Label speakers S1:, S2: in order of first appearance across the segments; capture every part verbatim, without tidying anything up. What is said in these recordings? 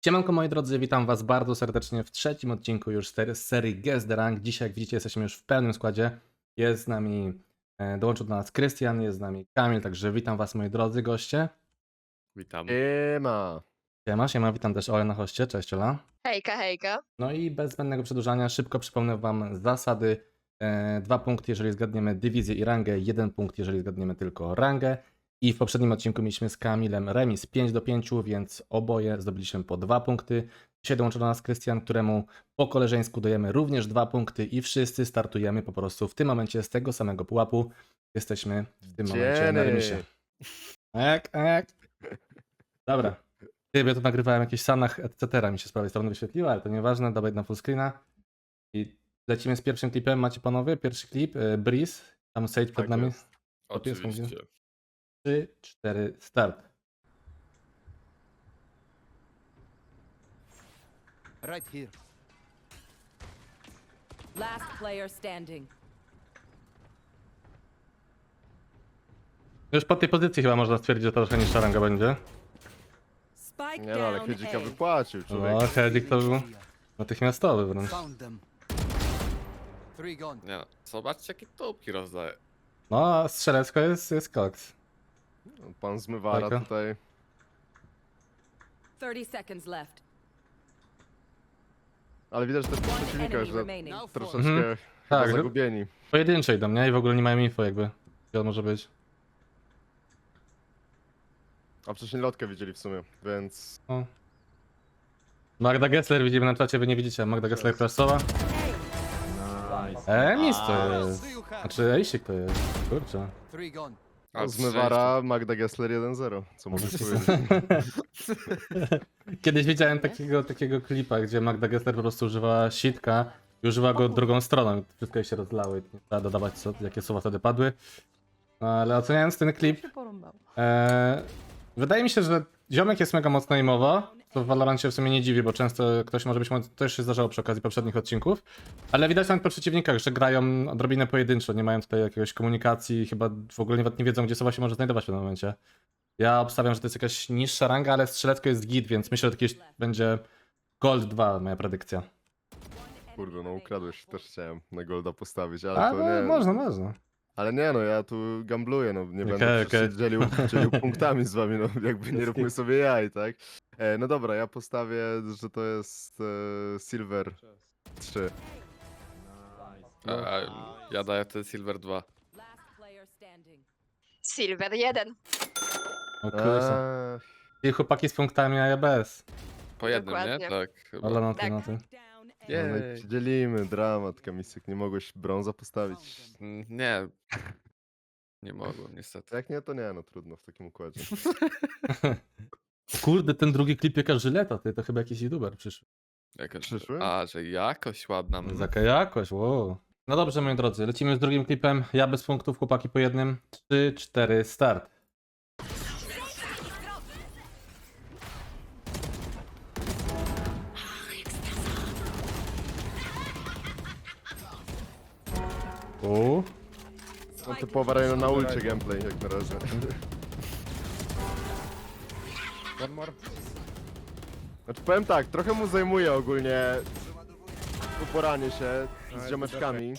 S1: Siemanko moi drodzy, witam was bardzo serdecznie w trzecim odcinku już z serii Guess the Rank. Dzisiaj jak widzicie jesteśmy już w pełnym składzie. Jest z nami, e, dołączył do nas Krystian, jest z nami Kamil, także witam was moi drodzy goście.
S2: Witam.
S3: Siema.
S1: Siema, siema, witam też Olę na hoście, cześć Ola.
S4: Hejka, hejka.
S1: No i bez zbędnego przedłużania szybko przypomnę wam zasady. E, dwa punkty jeżeli zgadniemy dywizję i rangę, jeden punkt jeżeli zgadniemy tylko rangę. I w poprzednim odcinku mieliśmy z Kamilem remis pięć do pięciu, więc oboje zdobyliśmy po dwa punkty. Dzisiaj dołączył do nas Krystian, któremu po koleżeńsku dajemy również dwa punkty i wszyscy startujemy po prostu w tym momencie z tego samego pułapu. Jesteśmy w tym momencie na
S3: Dzieny.
S1: remisie. Ek, ek. Dobra. Ja to nagrywałem jakieś sanach, et cetera. Mi się z prawej strony wyświetliło, ale to nieważne. Dawaj na full screena. I lecimy z pierwszym klipem. Macie panowie? Pierwszy klip. e, Breeze. Tam Sage przed
S3: Tak
S1: nami.
S3: jest.
S2: Oczywiście.
S1: trzy, cztery, start.
S5: Right here.
S6: Last player standing.
S1: Już po tej pozycji chyba można stwierdzić, że to trochę niższa ranga będzie.
S6: Spike
S3: Nie no, ale
S6: down
S3: Hedzika
S6: A.
S3: wypłacił, człowiek.
S1: O, Hedzik to był natychmiastowy wręcz.
S5: Found them. Three gone.
S2: Nie no, zobaczcie jakie topki rozdaje.
S1: No, a strzelecko jest, jest koks.
S3: Pan zmywara
S1: Bajka.
S3: tutaj.
S6: thirty seconds left.
S3: Ale widać też po
S6: One
S3: przeciwnikach,
S6: enemy
S3: że
S6: remaining.
S5: Now
S3: troszeczkę
S5: four.
S1: Mhm.
S3: chyba
S1: Tak, że-
S3: zagubieni.
S1: Pojedyncze idą, nie? I w ogóle nie mają info jakby. Gdzie on może być.
S3: A wcześniej lotkę widzieli w sumie, więc...
S1: O. Magda Gessler widzimy na czacie, wy nie widzicie. Magda Gessler klasowa. E, mis to jest.
S5: Do you have?
S1: Znaczy, Ejsik to jest. Kurczę.
S5: Three gone.
S2: A
S3: Zmywara, Magda Gessler jeden zero. Co możesz powiedzieć?
S1: Kiedyś widziałem takiego, takiego klipa, gdzie Magda Gessler po prostu używała sitka i używała go drugą stroną. Wszystko jej się rozlało i nie trzeba dodawać, co, jakie słowa wtedy padły. No, ale oceniając ten klip, e, wydaje mi się, że ziomek jest mega mocno aimowo, co w Valorancie w sumie nie dziwi, bo często ktoś może być, to też się zdarzało przy okazji poprzednich odcinków, ale widać nawet po przeciwnikach, że grają odrobinę pojedynczo, nie mają tutaj jakiegoś komunikacji, chyba w ogóle nawet nie wiedzą, gdzie sowa się może znajdować w tym momencie. Ja obstawiam, że to jest jakaś niższa ranga, ale strzelecko jest git, więc myślę, że to jakieś będzie Gold dwa, moja predykcja.
S3: Kurde, no ukradłeś, też chciałem na Golda postawić, ale
S1: A,
S3: to
S1: no,
S3: nie...
S1: można, można.
S3: Ale nie no, ja tu gambluję, no nie
S1: Okej,
S3: będę
S1: okej.
S3: okay. dzielił, dzielił punktami z wami, no jakby nie róbmy sobie jaj, tak? E, no dobra, ja postawię, że to jest e, Silver trzy.
S2: A, a, ja daję ten Silver dwa.
S6: Last player standing.
S4: Silver jeden.
S1: O kurczę.
S3: Eee,
S1: I chłopaki z punktami, a ja bez.
S2: Po jednym, nie?
S4: Dokładnie.
S2: Tak. Chyba.
S1: Ale no ty,
S4: Tak.
S1: no ty.
S6: Down A.
S2: Jej.
S3: no i się dzielimy, dramat, Kamisek, nie mogłeś brąza postawić.
S2: Mm, Nie. Nie mogłem, niestety.
S3: Jak nie, to nie, no trudno w takim układzie.
S1: Kurde, ten drugi klip jaka żyleta, ty to chyba jakiś youtuber przyszły.
S2: Jaka...
S3: Przyszły?
S2: A, że jakoś ładna. mm.
S1: Zaka jakość, wow. No dobrze, moi drodzy, lecimy z drugim klipem. Ja bez punktów, chłopaki po jednym. trzy, cztery, start. U.
S3: No typowa Reno na ulcie gameplay jak na razie.
S2: One more.
S3: Znaczy powiem tak, trochę mu zajmuje ogólnie uporanie się z ziomeczkami.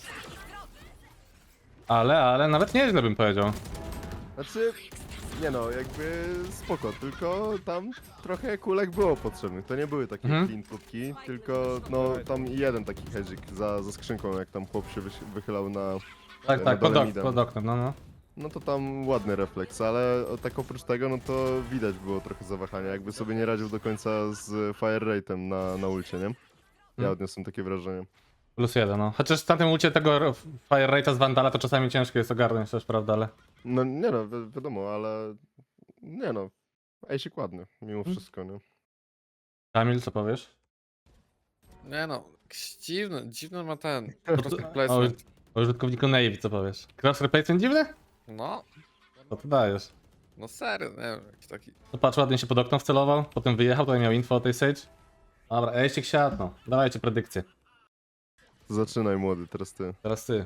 S1: Ale, ale nawet nieźle bym powiedział.
S3: Znaczy, nie no, jakby spoko, tylko tam trochę kulek było potrzebnych. To nie były takie
S1: Mhm.
S3: clean próbki, tylko no tam jeden taki hedzik za, za skrzynką, jak tam chłop się wyś- wychylał na...
S1: Tak,
S3: na
S1: tak, pod,
S3: dole
S1: ok
S3: midem.
S1: pod oknem, no no.
S3: No to tam ładny refleks, ale o- tak oprócz tego, no to widać było trochę zawahania, jakby sobie nie radził do końca z fire rate'em na, na ulcie, nie? Ja
S1: Hmm.
S3: odniosłem takie wrażenie.
S1: Plus jeden, no. Chociaż w tamtym ulcie tego Fire Rate'a z Vandala to czasami ciężko jest ogarnąć też, prawda, ale...
S3: No nie no, wi wiadomo, ale nie no, ejsik ładny, mimo
S1: Hmm.
S3: wszystko, nie?
S1: Kamil, co powiesz?
S2: Nie no, jakiś dziwny, dziwny ma ten.
S1: O,
S2: Cross placement.
S1: o użytkowniku Navy, co powiesz? Cross replacement dziwny?
S2: No,
S1: Co ty dajesz?
S2: no serio, nie wiem, jakiś taki.
S1: To patrz, ładnie się pod okno wcelował, potem wyjechał, tutaj miał info o tej Sage. Dobra, Ejsik siadł, no. Dawajcie predykcję.
S3: Zaczynaj młody, teraz ty.
S1: Teraz ty.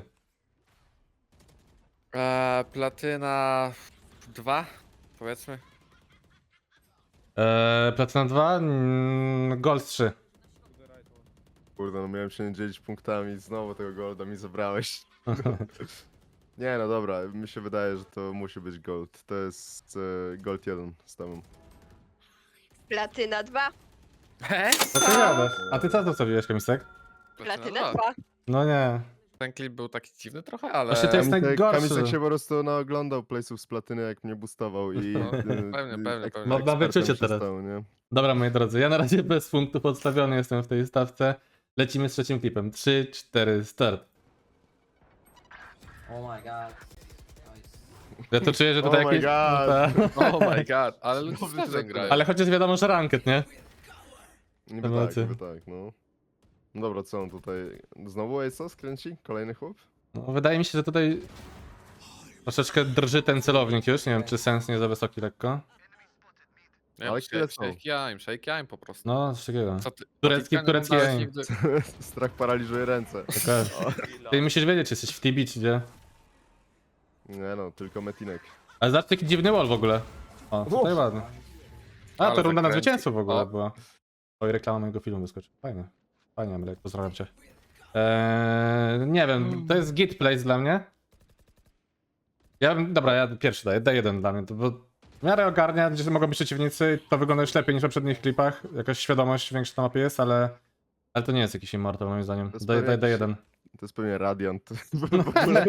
S2: Eee, platyna dwa, powiedzmy.
S1: Eee, Platyna dwa, mm, Gold trzy.
S3: Kurde, no miałem się nie dzielić punktami, znowu tego golda mi zabrałeś. Nie no dobra, mi się wydaje, że to musi być gold. To jest e, gold jeden z tobą.
S4: Platyna dwa.
S1: Co ty gadasz? A ty co zostawiłeś, Kamisek?
S4: Platyna dwa.
S1: No nie.
S2: Ten klip był taki dziwny trochę, ale...
S1: Właśnie to jest
S3: Kamisek,
S1: najgorszy.
S3: Kamisek się po prostu naoglądał playsów z platyny, jak mnie boostował i...
S2: No,
S3: e,
S2: pewnie,
S3: e,
S2: pewnie,
S3: ek-
S2: pewnie.
S1: Ma- ma
S3: ekspertem
S1: wyczucie
S3: się
S1: teraz.
S3: stał, nie?
S1: Dobra, moi drodzy, ja na razie bez punktów odstawiony jestem w tej stawce. Lecimy z trzecim klipem. trzy, cztery, start.
S7: Oh my god.
S1: Ja to czuję, że
S3: Oh
S1: tutaj
S3: my
S1: jakieś...
S3: god.
S1: Ta-
S2: Oh my god, ale ludzie
S3: Znowu
S2: z Sterzem
S3: to-
S2: grają.
S1: Ale chociaż wiadomo, że ranket, nie?
S3: Niby
S1: Emocy.
S3: tak, niby tak, no. No dobra, co on tutaj... Znowu Ace'a skręci? Kolejny chłop?
S1: No, wydaje mi się, że tutaj troszeczkę drży ten celownik już. Nie wiem, czy sens nie za wysoki lekko.
S2: Nie,
S3: Ale
S2: ale
S3: które są?
S2: shake aim, shake aim po prostu.
S1: No, coś takiego.
S2: Co ty?
S1: Turecki-
S2: Patryka nie
S1: turecki
S2: oglądałeś
S1: aim.
S2: nigdy?
S3: Strach paraliżuje ręce.
S1: Okej. Ty musisz wiedzieć, czy jesteś w T B, czy gdzie.
S3: Nie no, tylko Metinek.
S1: Ale zobacz, taki dziwny wall w ogóle. O, tutaj
S3: Uff.
S1: ładnie. A,
S2: Ale
S1: to runda na
S2: zakręcił.
S1: zwycięstwo w ogóle
S2: O.
S1: była. Oj, reklama mojego filmu wyskoczy. Fajnie. Fajnie, Amelek, pozdrawiam cię. Eee, nie wiem, to jest git place dla mnie. Ja bym, dobra, ja pierwszy daję, D jeden dla mnie, to bo w miarę ogarnia, gdzie mogą być przeciwnicy, to wygląda już lepiej niż w poprzednich klipach. Jakaś świadomość większa na mapie jest, ale... Ale to nie jest jakiś immortal moim zdaniem.
S3: To jest
S1: Daj, daj,
S3: pewnie
S1: D
S3: jakiś-
S1: jeden.
S3: To jest pewnie Radiant. W ogóle.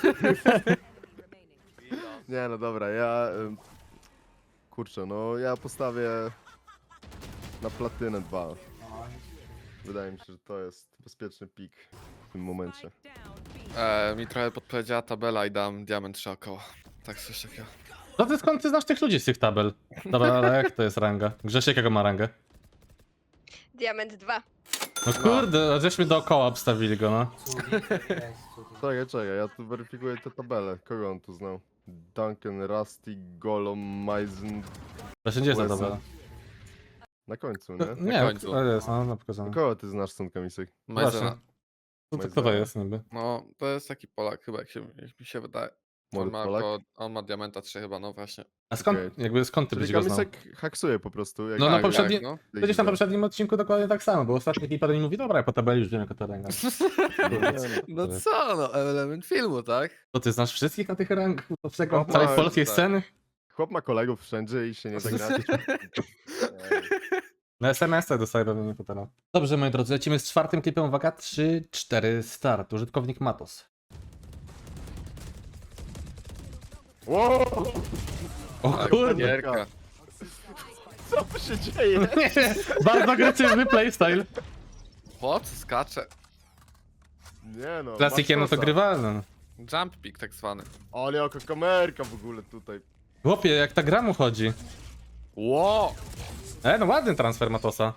S3: Nie no dobra, ja... ym, Kurczę, no ja postawię na platynę dwa. Wydaje mi się, że to jest bezpieczny pik w tym momencie.
S2: E, mi trochę podpowiedziała tabela i dam diament trzy około. Tak, coś takiego.
S1: No ty skąd ty znasz tych ludzi z tych tabel? Dobra, ale jak to jest ranga? Grzesiek jaką ma rangę?
S4: Diament dwa.
S1: No kurde, żeśmy dookoła obstawili go, no.
S3: Czekaj, czekaj, ja tu weryfikuję tę tabelę. Kogo on tu znał? Duncan, Rusty, Golom, Maizen...
S1: Właśnie gdzie jest ta
S3: Lesson.
S1: tabela?
S3: Na końcu,
S1: No,
S3: nie?
S1: nie,
S2: końcu.
S1: ale jest, no, no pokazane.
S3: Kogo ty znasz stąd, Kamisek?
S2: Majzena.
S1: No to kto to jest niby?
S2: No, to jest taki Polak chyba, jak, się, jak mi się wydaje. On
S3: Młody
S2: ma,
S3: Polak?
S2: około, on ma diamenta trzy chyba, no właśnie.
S1: A skąd,
S3: Okej.
S1: jakby skąd ty
S3: Czyli
S1: byś go znał?
S3: Kamisek haksuje po prostu. Jak
S1: No na
S2: Tak,
S1: poprzedni...
S2: tak, no.
S1: Przecież na poprzednim odcinku dokładnie tak samo, bo ostatni klip mi mówi, dobra, ja po tabeli już wiem jaka to ranga.
S2: No co, no, element filmu, tak?
S1: To ty znasz wszystkich na tych rangach poprzedniego
S3: No,
S1: całej
S3: tak,
S1: polskiej
S2: tak.
S1: sceny?
S3: Chłop ma kolegów wszędzie i się nie zagracie.
S1: Na S M S-ach dostaję pewnie fotela. Dobrze, moi drodzy, lecimy z czwartym klipem, uwaga, trzy, cztery, start. Użytkownik Matos.
S3: Wow!
S1: O
S2: Tak,
S1: kurde!
S2: gierka.
S3: Co tu się dzieje?
S1: Nie, bardzo agresywny playstyle.
S2: Chłop skacze.
S3: Nie no.
S1: Klasykiem no to
S3: masz
S1: grywalne.
S2: Jump pick tak zwany.
S3: kosa. Ale jaka kamerka w ogóle tutaj.
S1: Chłopie, jak ta gra mu chodzi.
S2: Ło!
S1: E, no ładny transfer Matosa.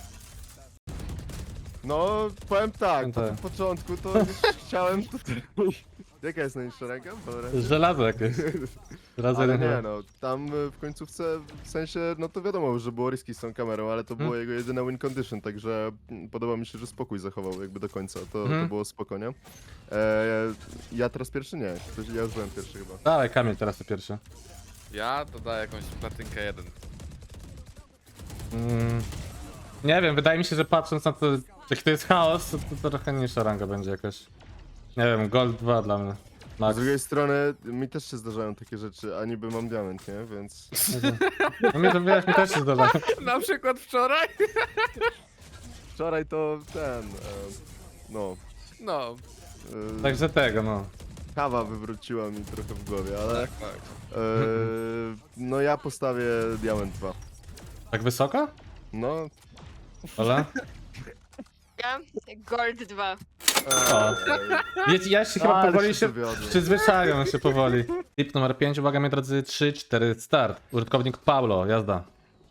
S3: No, powiem tak, po
S1: Tak.
S3: tym początku to już chciałem tutaj... Jaka jest najniższa ręka? Dobra.
S1: Żelazo jakieś. Żelazo
S3: Ale
S1: jeden
S3: nie
S1: chyba.
S3: no, tam y, w końcówce, w sensie, no to wiadomo, że było riski z tą kamerą, ale to było
S1: Hmm.
S3: jego jedyne win condition, także mm, podoba mi się, że spokój zachował jakby do końca, to,
S1: Mhm.
S3: to było spoko, nie? E, ja teraz pierwszy nie, Ktoś- ja już byłem pierwszy chyba.
S1: Dawaj, Kamil, teraz to pierwszy.
S2: Ja dodaję jakąś platynkę jeden.
S1: Mm, nie wiem, wydaje mi się, że patrząc na to, jaki to jest chaos, to, to trochę niższa ranga będzie jakaś. Nie wiem, Gold dwa dla mnie.
S3: Z
S1: Max.
S3: drugiej strony, mi też się zdarzają takie rzeczy, a niby mam diament, nie? Więc...
S1: No mnie to wiesz, mi też się zdarza.
S2: Na przykład wczoraj?
S3: Wczoraj to ten, e, no...
S2: No,
S3: E,
S1: Także tego, no.
S3: kawa wywróciła mi trochę w głowie, ale...
S2: tak, tak.
S3: E, no ja postawię diament dwa.
S1: Tak wysoko?
S3: No...
S1: Ola?
S4: Ja? Gold dwa.
S1: O. Wiecie, ja się chyba
S3: Ale
S1: powoli
S3: się
S1: się
S3: dowiodłem.
S1: przyzwyczają się powoli. Tip numer pięć, uwaga moi drodzy, trzy, cztery, start. Użytkownik Paulo, jazda.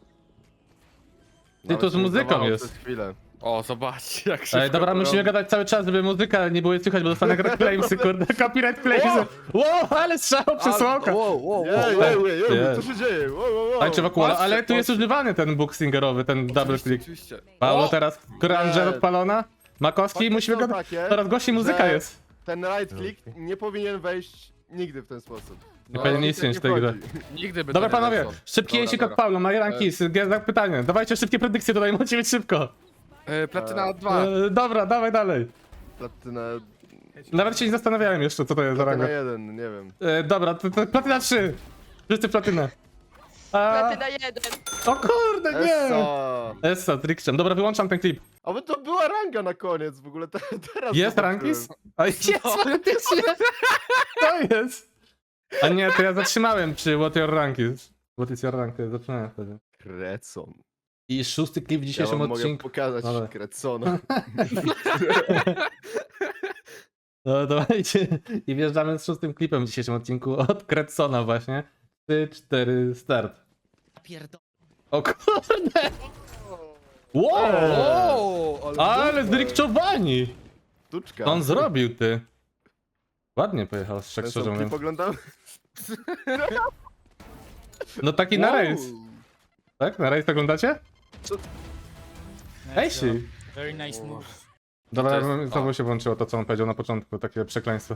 S1: Ty
S3: Nawet
S1: to z
S3: się nie
S1: muzyką
S3: zdawało
S1: jest.
S3: przez chwilę.
S2: O, zobaczcie jak się
S1: Ej, dobra, musimy gadać cały czas, żeby muzyka nie było słychać, bo dostanę claimsy, kurde, copyright claimsy. Wow, ale strzał przesłonka.
S2: Wow, wow,
S3: Jej,
S2: wow.
S3: jej, jej, jej,
S1: Jest.
S3: co się dzieje? Wow, wow, wow.
S1: Tańczy wokół,
S2: patrzcie,
S1: ale tu jest
S2: patrzcie.
S1: używany ten book singerowy, ten double click.
S2: Oczywiście.
S1: Paulo
S2: O!
S1: teraz, Granger
S3: Nie.
S1: odpalona. Makowski,
S3: Fakty
S1: musimy
S3: są
S1: go...
S3: takie,
S1: Coraz głośniej muzyka
S3: że
S1: jest.
S3: Ten right click nie powinien wejść nigdy w ten sposób.
S2: No,
S1: Pewnie
S3: nie
S1: nic nie
S3: tak
S1: w tej grze.
S3: chodzi.
S2: Nigdy by
S1: Dobra
S2: to nie
S1: panowie,
S2: weszło.
S1: szybki
S2: Dobra,
S1: jeśli
S2: dobra.
S1: od Paulo, Marie Rankis, Gezak pytanie. Dawajcie szybkie predykcje tutaj, macie być szybko.
S2: E, platyna dwa.
S1: E, dobra, dawaj dalej.
S3: Platyna...
S1: Nawet się nie zastanawiałem jeszcze, co to jest za
S3: Platyna
S1: ranga.
S3: jeden, nie wiem.
S1: E, dobra, to, to platyna trzy. Wszyscy platynę. A,
S4: Platyna jeden.
S1: o kurde, nie!
S3: Essa!
S1: Essa, tricksham. Dobra, wyłączam ten klip.
S3: A bo to była ranga na koniec w ogóle, te, teraz
S1: Jest
S3: zobaczyłem.
S1: rankis? A jest faktycznie! To jest! A nie, to ja zatrzymałem przy What Your Rank is. What is your rank? To ja zatrzymałem wtedy.
S3: Krecon.
S1: I szósty klip w
S3: Ja
S1: dzisiejszym
S3: wam mogę
S1: odcinku.
S3: pokazać
S1: Dobra.
S3: Krecona.
S1: No dawajcie. I wjeżdżamy z szóstym klipem w dzisiejszym odcinku od Kretsona właśnie. trzy, cztery, start. O kurde! Wow!
S2: O,
S1: Ale
S3: super.
S1: zrikczowani!
S3: Sztuczka.
S1: Co on zrobił, ty? Ładnie pojechał, tak
S3: Ten
S1: szczerze
S3: sam
S1: mówiąc.
S3: klip oglądam?
S1: No taki na
S3: Wow.
S1: rejs. Tak? Na rejs oglądacie? Ej, si.
S7: Very nice move.
S1: Dobra,
S2: To jest-
S1: znowu
S2: a.
S1: się włączyło to, co on powiedział na początku, takie przekleństwo.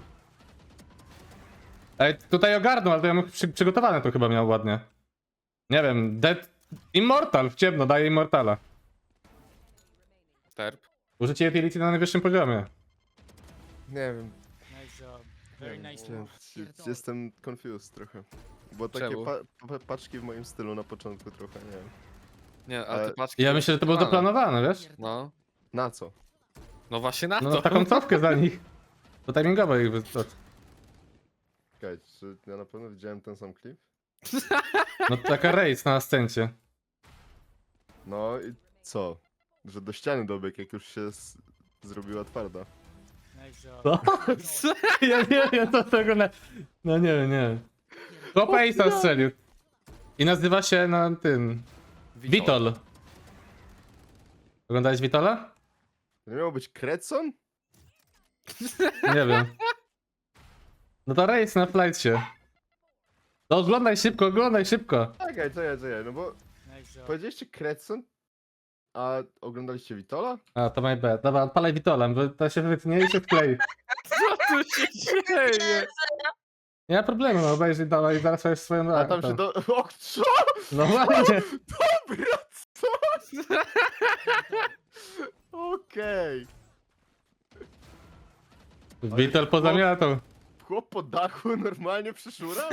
S1: Ej, tutaj ogarnął, ale to ja mógł przy, przygotowane to chyba miał ładnie. Nie wiem, Dead... Immortal, w ciemno, daje Immortala.
S2: Terp.
S1: Użycie utility na najwyższym poziomie.
S3: Nie wiem.
S7: Nice job. Very nice
S3: Nie,
S7: move.
S3: Jestem confused trochę. Bo takie
S2: Czemu?
S3: pa pa paczki w moim stylu na początku trochę, nie wiem.
S2: Nie, ale te
S3: Ale-
S2: paczki...
S1: Ja myślę, że to było zaplanowane, wiesz?
S2: No.
S3: Na co?
S2: No właśnie na
S1: No
S2: to.
S1: taką cofkę za nich. To timingowo ich wystarczy.
S3: Czekaj, czy ja na pewno widziałem ten sam klip?
S1: No taka rejs na ascencie.
S3: No i co? Że do ściany dobiegł, jak już się s- zrobiła twarda.
S7: Nice job.
S1: Co? Ja nie wiem, to tego na... No nie wiem, nie wiem. Chłopa Ace'a strzelił. I nazywa się na tym... Witol. Oglądałeś Witola?
S3: To nie miało być Krecon?
S1: Nie wiem. No to rejs na flightcie. No oglądaj szybko, oglądaj szybko.
S3: Czekaj, czekaj, czekaj, no bo
S7: Nice job.
S3: powiedzieliście Krecon, a oglądaliście Witola?
S1: A, to my bad. Dobra, odpalaj Witola, bo to się wytnie i się wklei.
S2: Co tu się dzieje?
S1: Nie ma problemu, no obejrzyj dalej i zaraz masz swoją...
S3: A tam się do... O, co?
S1: No właśnie.
S3: Dobra, co? Okej.
S1: Witol pozamiatał.
S3: Chłop po dachu normalnie przyszura?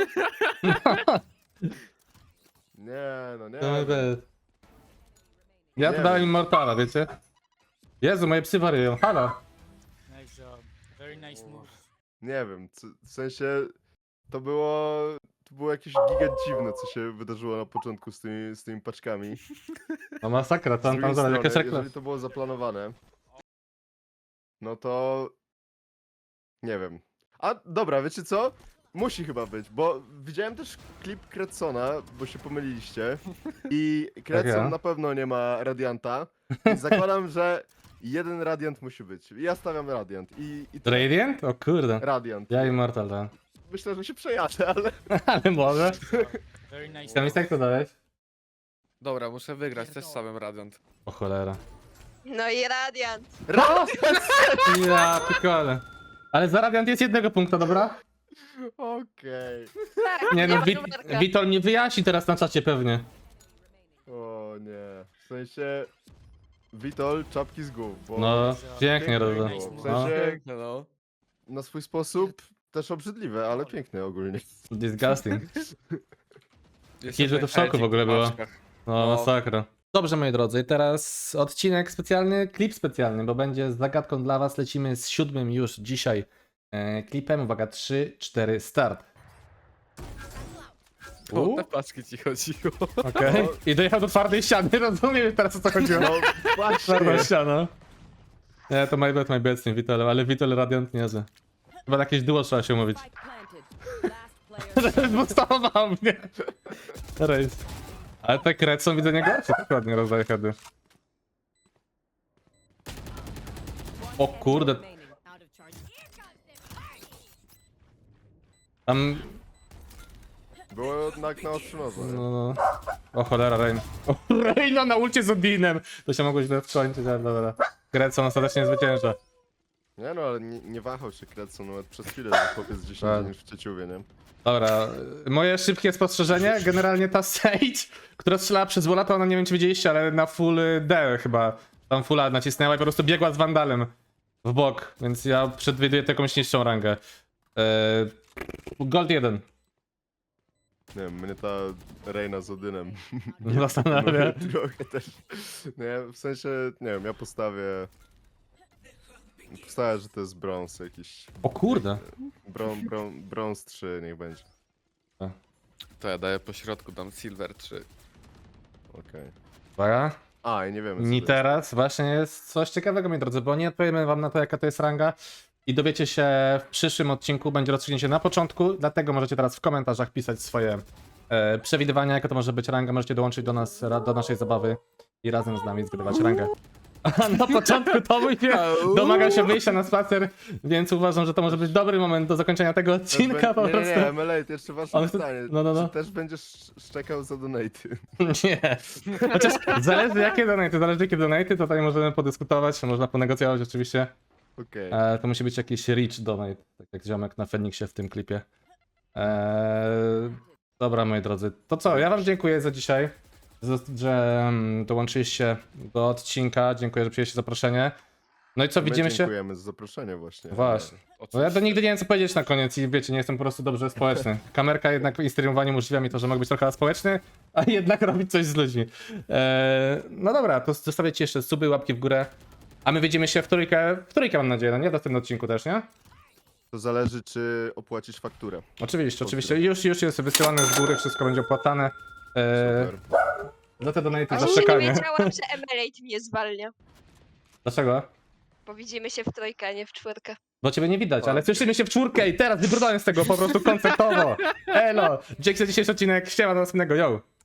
S3: Nie, no nie.
S1: To my bad. Ja
S3: Nie
S1: tu dałem
S3: wiem.
S1: Immortala, wiecie? Jezu, moje psy wariują. Halo.
S7: Nice job. Very nice move.
S3: Nie wiem, co- w sensie to było, to było jakieś giga dziwne, co się wydarzyło na początku z tymi, z tymi paczkami.
S1: No masakra,
S3: Z
S1: tam
S3: drugiej
S1: tam zaraz
S3: strony,
S1: jakaś reklama.
S3: jeżeli to było zaplanowane, no to nie wiem. A dobra, wiecie co? Musi chyba być, bo widziałem też klip Kretsona, bo się pomyliliście i Kretson
S1: ja.
S3: na pewno nie ma Radianta i zakładam, że jeden Radiant musi być. I ja stawiam Radiant i, i tyle.
S1: Radiant? O kurde.
S3: Radiant.
S1: Ja Immortal dałem.
S3: Myślę, że się przejadę, ale...
S1: Ale może.
S7: Very nice
S1: Tam
S7: move.
S1: jak to dałeś?
S2: Dobra, muszę wygrać też samym Radiant.
S1: O cholera.
S4: No i Radiant.
S1: Ja pikole. Ale za Radiant jest jednego punkta, dobra?
S3: Okej.
S4: Tak,
S1: Nie no,
S4: ma
S1: Wit
S4: numerka.
S1: Witol mnie wyjaśni teraz na czacie pewnie.
S3: O nie. W sensie... Witol, czapki z głów, bo
S1: No, pięknie
S3: Pięknie
S1: robię.
S3: było.
S7: Nice
S3: W
S7: move.
S1: No.
S3: sensie
S2: Piękne, no.
S3: na swój sposób też obrzydliwe, ale piękne ogólnie.
S1: Disgusting.
S2: Jeszcze
S1: że to w
S2: ten
S1: szoku w ogóle
S2: edzik
S1: było.
S2: paczkach.
S1: No,
S2: No.
S1: masakra. Dobrze, moi drodzy, teraz odcinek specjalny, klip specjalny, bo będzie z zagadką dla was. Lecimy z siódmym już dzisiaj e, klipem. Uwaga, trzy, cztery, start.
S2: O
S1: U,
S2: te paczki ci chodziło.
S1: Okej. I dojechał do twardej ściany, rozumiem teraz o co chodziło.
S3: No właśnie.
S1: Twarda ściana. Nie, to my bad, my bad z tym Witolem, ale Witol Radiant niezły. Chyba na jakieś duo trzeba się umówić.
S6: Spike planted. Last player standing.
S1: Zbustował mnie. Rejs. Ale te Kretson widzę nie gorsze, tak ładnie rozdaje heady. O kurde,
S6: Remaining. Out of charge.
S1: tam...
S3: Było jednak na ostrzu noża, nie?
S1: No, no. O cholera, Rain. O, Reina na ulcie z Odinem! To się mogło źle skończyć, ale dobra. Kretson ostatecznie zwycięża.
S3: Nie no, ale nie, nie wahał się Kretson, nawet przez chwilę, że chłopiec dziesięć
S1: Tak.
S3: niż w Cieciuwie, nie?
S1: Dobra, moje szybkie spostrzeżenie. Generalnie ta Sage, która strzelała przez Wola, to ona nie wiem czy widzieliście, ale na full D chyba. Tam fulla nacisnęła i po prostu biegła z Wandalem w bok, więc ja przewiduję taką niższą rangę. Eee, Gold jeden.
S3: Nie wiem, mnie ta Reina z Odynem
S1: Zastanawia.
S3: trochę też. Nie, w sensie, nie wiem, ja postawię... Postawię, że to jest brąz jakiś.
S1: O kurde.
S3: Brą, brą, brąz trzy, niech będzie.
S2: To ja daję po środku, dam silver trzy.
S3: Okej.
S1: Uwaga.
S3: A, i nie wiemy co
S1: Mi
S3: to
S1: teraz właśnie jest coś ciekawego, moi drodzy, bo nie odpowiemy wam na to, jaka to jest ranga i dowiecie się w przyszłym odcinku, będzie rozstrzygnięcie na początku, dlatego możecie teraz w komentarzach pisać swoje e, przewidywania, jaka to może być ranga, możecie dołączyć do nas, ra- do naszej zabawy i razem z nami zgadywać rangę. A na początku to mój pies domaga się wyjścia na spacer, więc uważam, że to może być dobry moment do zakończenia tego
S3: jest.
S1: odcinka po
S3: nie, nie,
S1: prostu.
S3: nie, M L A, to jeszcze ważne
S1: Ale to-
S3: pytanie.
S1: no, no, no.
S3: Czy też będziesz szczekał za donaty?
S1: Nie. Chociaż zależy jakie donaty, zależy jakie donaty, to tutaj możemy podyskutować, można ponegocjować oczywiście.
S3: Okej.
S1: E, to musi być jakiś rich donate, tak jak ziomek na Feniksie w tym klipie. E, dobra, moi drodzy, to co, ja wam dziękuję za dzisiaj, za- że mm, dołączyliście do odcinka, dziękuję, że przyjęliście zaproszenie. No i co,
S3: My
S1: widzimy się...
S3: dziękujemy za zaproszenie właśnie.
S1: Właśnie. Bo ja to nigdy nie wiem co powiedzieć na koniec i wiecie, nie jestem po prostu dobrze społeczny. Kamerka jednak w streamowaniu umożliwia mi to, że mogę być trochę społeczny, a jednak robić coś z ludźmi. Eee, no dobra, to zostawiacie jeszcze suby, łapki w górę. A my widzimy się w trójkę, w trójkę mam nadzieję, no nie? W następnym odcinku też, nie?
S3: To zależy, czy opłacisz fakturę.
S1: Oczywiście, oczywiście. Już, już jest wysyłane z góry, wszystko będzie opłacane. Eee,
S3: Super.
S1: za te donaty, za
S4: Właśnie nie
S1: czekanie.
S4: wiedziałam, że Emerald mnie zwalnia.
S1: Dlaczego?
S4: Bo widzimy się w trójkę, a nie w czwórkę.
S1: Bo ciebie nie widać, ale słyszymy się w czwórkę i teraz wybrnąłem z tego po prostu koncertowo. Elo, dzięki za dzisiejszy odcinek, siema do następnego, yo!